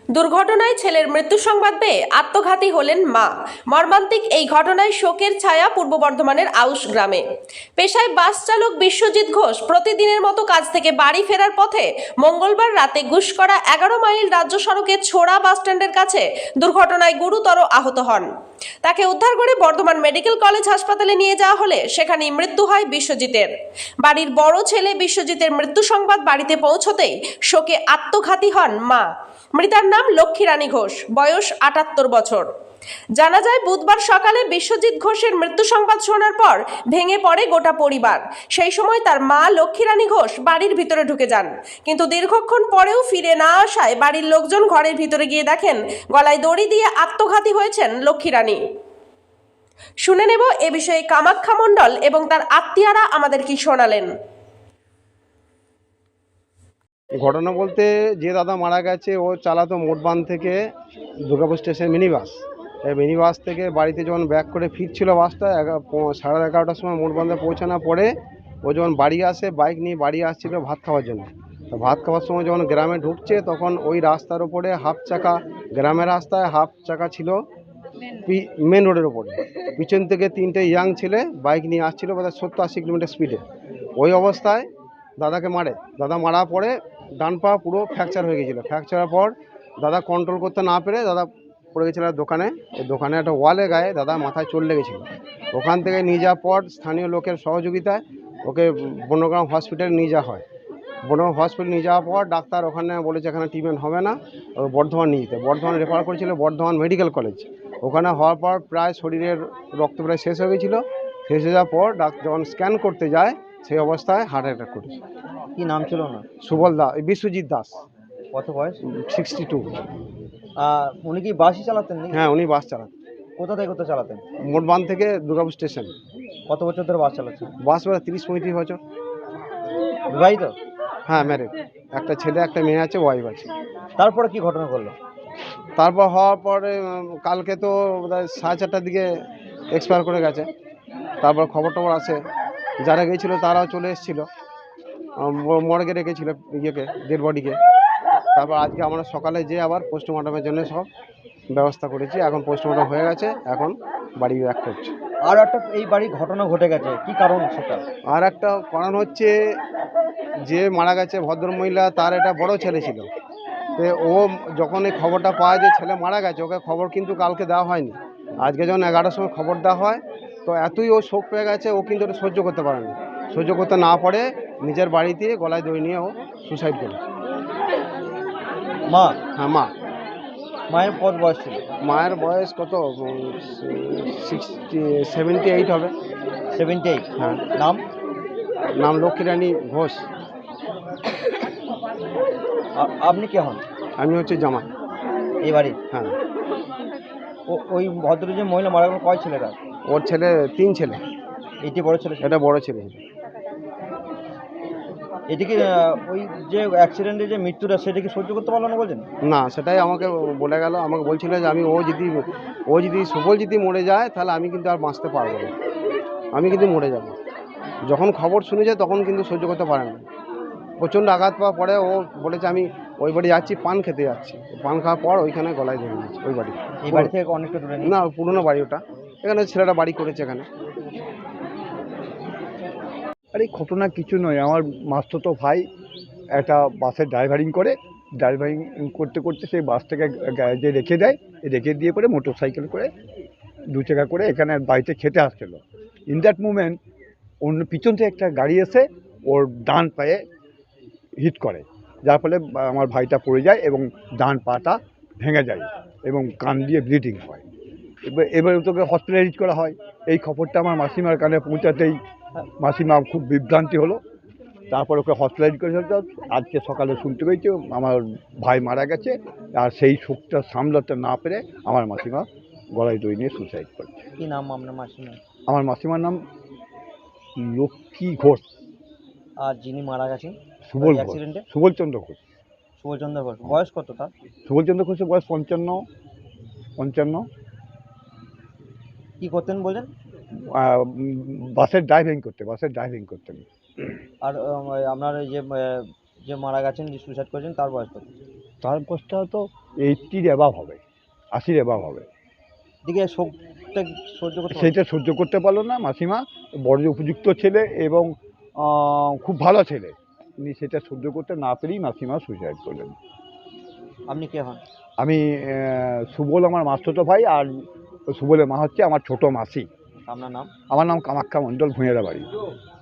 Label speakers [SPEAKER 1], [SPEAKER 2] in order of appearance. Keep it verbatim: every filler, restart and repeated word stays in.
[SPEAKER 1] দুর্ঘটনায় ছেলের মৃত্যু সংবাদ পেয়ে আত্মঘাতী হলেন মা। মর্মান্তিক এই ঘটনায় শোকের ছায়া পূর্ব বর্ধমানের আউশ গ্রামে। পেশায় বাস চালক বিশ্বজিৎ ঘোষ প্রতিদিনের মতো কাজ থেকে বাড়ি ফেরার পথে মঙ্গলবার রাতে গুসকরা এগারো মাইল রাজ্য সড়কের ছোড়া বাসস্ট্যান্ডের কাছে দুর্ঘটনায় গুরুতর আহত হন। তাকে উদ্ধার করে বর্ধমান মেডিকেল কলেজ হাসপাতালে নিয়ে যাওয়া হলে সেখানেই মৃত্যু হয় বিশ্বজিতের। বাড়ির বড় ছেলে বিশ্বজিতের মৃত্যু সংবাদ বাড়িতে পৌঁছতেই শোকে আত্মঘাতী হন মা। মৃতার নাম লক্ষ্মী রানী ঘোষ, বয়স আটাত্তর বছর। জানা যায় বুধবার সকালে বিশ্বজিৎ ঘোষের মৃত্যু সংবাদ শোনার পর ভেঙে পড়ে গোটা পরিবার। সেই সময় তার মা লক্ষ্মী রানী ঘোষ বাড়ির ভিতরে ঢুকে যান, কিন্তু দীর্ঘক্ষণ পরেও ফিরে না আসায় বাড়ির লোকজন ঘরের ভিতরে গিয়ে দেখেন গলায় দড়ি দিয়ে আত্মঘাতী হয়েছেন লক্ষ্মী রানী। শুনে নেব এ বিষয়ে কামাখ্যা মণ্ডল এবং তার আত্মীয়রা আমাদের কি শোনালেন।
[SPEAKER 2] ঘটনা বলতে যে দাদা মারা গেছে ও চালাতো মোটবান থেকে দুর্গাপুর স্টেশন মিনি বাস। এই মিনি বাস থেকে বাড়িতে যখন ব্যাক করে ফিরছিল বাসটা সাড়ে এগারোটার সময় মোটবান্ধে পৌঁছানোর পরে ও যখন বাড়ি আসে বাইক নিয়ে বাড়ি আসছিল ভাত খাওয়ার জন্য। তো ভাত খাওয়ার সময় যখন গ্রামে ঢুকছে তখন ওই রাস্তার ওপরে হাফ চাকা, গ্রামের রাস্তায় হাফ চাকা ছিল মেন রোডের ওপরে। পিছন থেকে তিনটে ইয়াং ছেলে বাইক নিয়ে আসছিল বোধহয় সত্তর আশি কিলোমিটার স্পিডে। ওই অবস্থায় দাদাকে মারে। দাদা মারার পরে ডান পা পুরো ফ্র্যাকচার হয়ে গেছিলো। ফ্র্যাকচারের পর দাদা কন্ট্রোল করতে না পেরে দাদা পড়ে গেছিলো দোকানে। এই দোকানে একটা ওয়ালে গায়ে দাদা মাথায় চলে লেগেছিলো। ওখান থেকে নিয়ে যাওয়ার পর স্থানীয় লোকের সহযোগিতায় ওকে বনগ্রাম হসপিটালে নিয়ে যাওয়া হয়। বনগ্রাম হসপিটালে নিয়ে যাওয়ার পর ডাক্তার ওখানে বলেছে এখানে ট্রিটমেন্ট হবে না, বর্ধমান নিয়ে যেতে। বর্ধমান রেফার করেছিল বর্ধমান মেডিকেল কলেজ। ওখানে হওয়ার পর প্রায় শরীরের রক্ত প্রায় শেষ হয়ে গেছিলো। শেষ হয়ে যাওয়ার পর ডাক্তার যখন স্ক্যান করতে যায় সেই অবস্থায় হার্ট অ্যাটাক করেছে।
[SPEAKER 3] কি নাম ছিল না?
[SPEAKER 2] সুবল দাস, বিশ্বজিৎ দাস।
[SPEAKER 3] কত বয়স?
[SPEAKER 2] Sixty two.
[SPEAKER 3] উনি কি বাসই চালাতেন নাকি?
[SPEAKER 2] হ্যাঁ, উনি বাস চালাতেন।
[SPEAKER 3] কোথা থেকে কোথা চালাতেন?
[SPEAKER 2] মোটবান থেকে দুর্গাপুর স্টেশন।
[SPEAKER 3] কত বছর ধরে বাস চালাচ্ছেন?
[SPEAKER 2] বাস বেড়া তিরিশ পঁয়ত্রিশ বছর।
[SPEAKER 3] বিবাহিত?
[SPEAKER 2] হ্যাঁ, ম্যারেড। একটা ছেলে একটা মেয়ে আছে, ওয়াইফ আছে।
[SPEAKER 3] তারপরে কি ঘটনা করলো?
[SPEAKER 2] তারপর হওয়ার পরে কালকে তো বোধহয় সাড়ে চারটার দিকে এক্সপায়ার করে গেছে। তারপর খবর টবর আছে, যারা গিয়েছিলো তারাও চলে এসেছিলো, মর্গে রেখেছিল ইয়েকে, ডেড বডিকে। তারপর আজকে আমরা সকালে যেয়ে আবার পোস্টমর্টমের জন্য সব ব্যবস্থা করেছি। এখন পোস্টমর্টম হয়ে গেছে, এখন বাড়ি ব্যাক করছে।
[SPEAKER 3] আর একটা এই বাড়ি ঘটনা ঘটে গেছে, কি কারণ সেটা?
[SPEAKER 2] আর একটা কারণ হচ্ছে যে মারা গেছে ভদ্রমহিলা, তার একটা বড় ছেলে ছিল। তো ও যখন এই খবরটা পায় যে ছেলে মারা গেছে, ওকে খবর কিন্তু কালকে দেওয়া হয়নি। আজকে যখন এগারোটার সময় খবর দেওয়া হয়, তো এতই ও শোক পেয়ে গেছে, ও কিন্তু ওটা সহ্য করতে পারেনি। সহ্য করতে না পারে নিজের বাড়িতে গলায় দড়ি নিয়ে ও সুসাইড করেছে।
[SPEAKER 3] মা?
[SPEAKER 2] হ্যাঁ, মা।
[SPEAKER 3] মায়ের কত বয়স ছিল?
[SPEAKER 2] মায়ের বয়স কত? সিক্সটি সেভেন্টি এইট হবে।
[SPEAKER 3] Seventy eight?
[SPEAKER 2] হ্যাঁ।
[SPEAKER 3] নাম?
[SPEAKER 2] নাম লক্ষ্মী রানী ঘোষ।
[SPEAKER 3] আপনি কে হন?
[SPEAKER 2] আমি হচ্ছে জামাই
[SPEAKER 3] এই বাড়ি?
[SPEAKER 2] হ্যাঁ।
[SPEAKER 3] ওই ভদ্র যে মহিলা মারা গেল, কয় ছেলে তার?
[SPEAKER 2] ওর ছেলে তিন ছেলে।
[SPEAKER 3] এটি বড় ছেলে?
[SPEAKER 2] এটা বড় ছেলে।
[SPEAKER 3] এটিকে ওই যে অ্যাক্সিডেন্টে যে মৃত্যুটা, সেটা কি সহ্য করতে পারলো না বলছেন?
[SPEAKER 2] না, সেটাই আমাকে বলে গেল। আমাকে বলছিল যে আমি ও যদি ও যদি সুবল যদি মরে যায় তাহলে আমি কিন্তু আর বাঁচতে পারবো না, আমি কিন্তু মরে যাব। যখন খবর শুনে যায় তখন কিন্তু সহ্য করতে পারে না, প্রচণ্ড আঘাত পাওয়ার পরে ও বলেছে আমি ওই বাড়ি যাচ্ছি, পান খেতে যাচ্ছি। পান খাওয়ার পর ওইখানে গলায় ধরে নিয়েছে ওই বাড়ি।
[SPEAKER 3] এই বাড়ি থেকে অনেকটা দূরে?
[SPEAKER 2] না, পুরনো বাড়ি ওটা। এখানে ছেলেটা বাড়ি করেছে এখানে।
[SPEAKER 4] আর এই ঘটনা কিছু নয়, আমার মাস্তুতো ভাই একটা বাসের ড্রাইভারিং করে। ড্রাইভারিং করতে করতে সেই বাসটাকে গ্যারেজে রেখে দেয়। রেখে দিয়ে পরে মোটর সাইকেল করে দু চাকা করে এখানে বাড়িতে খেতে আসছিলো। ইন দ্যাট মুমেন্ট অন্য পিছন থেকে একটা গাড়ি এসে ওর ডান পায়ে হিট করে, যার ফলে আমার ভাইটা পড়ে যায় এবং ডান পাটা ভেঙে যায় এবং কান দিয়ে ব্লিডিং হয়। এবার এবার তোকে হসপিটালাইজ করা হয়। এই খবরটা আমার মাসিমার কানে পৌঁছাতেই মাসিমা খুব বিভ্রান্তি হলো। তারপর ওকে হসপিটালাইজ করে ফেলতে। আজকে সকালে শুনতে পেয়েছি আমার ভাই মারা গেছে, আর সেই শোকটা সামলাতে না পেরে আমার মাসিমা গলায় দড়ি নিয়ে সুসাইড করছে।
[SPEAKER 3] কী নাম আপনার মাসিমা?
[SPEAKER 4] আমার মাসিমার নাম লক্ষ্মী ঘোষ।
[SPEAKER 3] আর যিনি মারা গেছেন
[SPEAKER 4] সুবল ঘোষ,
[SPEAKER 3] অ্যাক্সিডেন্টে?
[SPEAKER 4] সুবলচন্দ্র ঘোষ।
[SPEAKER 3] সুবলচন্দ্র ঘোষ। বয়স কত তার?
[SPEAKER 4] সুবলচন্দ্র ঘোষের বয়স পঞ্চান্ন পঞ্চান্ন
[SPEAKER 3] কী করতেন বলেন?
[SPEAKER 4] বাসের ড্রাইভিং করতে বাসের ড্রাইভিং করতেন।
[SPEAKER 3] আর আপনার যে যে মারা গেছেন, যে সুইসাইড করেছেন, তার বয়স কত?
[SPEAKER 4] তার বয়সটা তো এইটির অ্যাবাভ হবে, আশির অ্যাবাভ হবে।
[SPEAKER 3] দিকে শোকটা সহ্য করতে পারলো না?
[SPEAKER 4] সেইটা সহ্য করতে পারলো না মাসিমা। বড় উপযুক্ত ছেলে এবং আহ, খুব ভালো ছেলে, তিনি সেটা সহ্য করতে না পেরেই মাসিমা সুইসাইড করলেন।
[SPEAKER 3] আপনি কে হন?
[SPEAKER 4] আমি আহ, সুবল আমার মাস্তুতো ভাই, আর সুবলের মা হচ্ছে আমার ছোট মাসি।
[SPEAKER 3] আপনার নাম?
[SPEAKER 4] আমার নাম কামাখ্যা মণ্ডল, ভূঁইয়ারা বাড়ি।